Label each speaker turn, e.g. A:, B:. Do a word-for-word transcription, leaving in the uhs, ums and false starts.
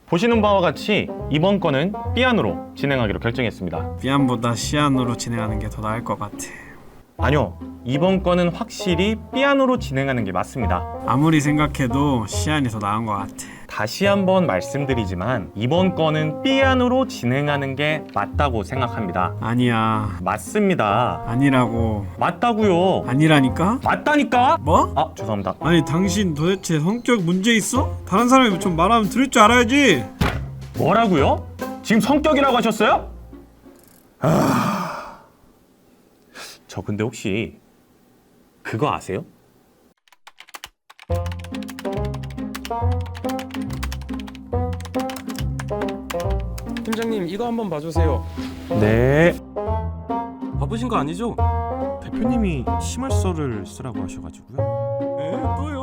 A: 보시는 바와 같이 이번 건은 삐안으로 진행하기로 결정했습니다.
B: 삐안보다 시안으로 진행하는 게 더 나을 것 같아.
A: 아니요, 이번 건은 확실히 삐안으로 진행하는 게 맞습니다.
B: 아무리 생각해도 시안이 더 나은 것 같아.
A: 다시 한번 말씀드리지만 이번 건은 삐안으로 진행하는 게 맞다고 생각합니다.
B: 아니야.
A: 맞습니다.
B: 아니라고.
A: 맞다고요.
B: 아니라니까?
A: 맞다니까?
B: 뭐?
A: 아, 죄송합니다.
B: 아니 당신 도대체 성격 문제 있어? 다른 사람이 좀 말하면 들을 줄 알아야지.
A: 뭐라고요? 지금 성격이라고 하셨어요? 아... 저 근데 혹시 그거 아세요?
C: 팀장님 이거 한번 봐주세요.
A: 네.
C: 바쁘신 거 아니죠?
A: 대표님이 심할서를 쓰라고 하셔가지고요.
C: 에? 또요?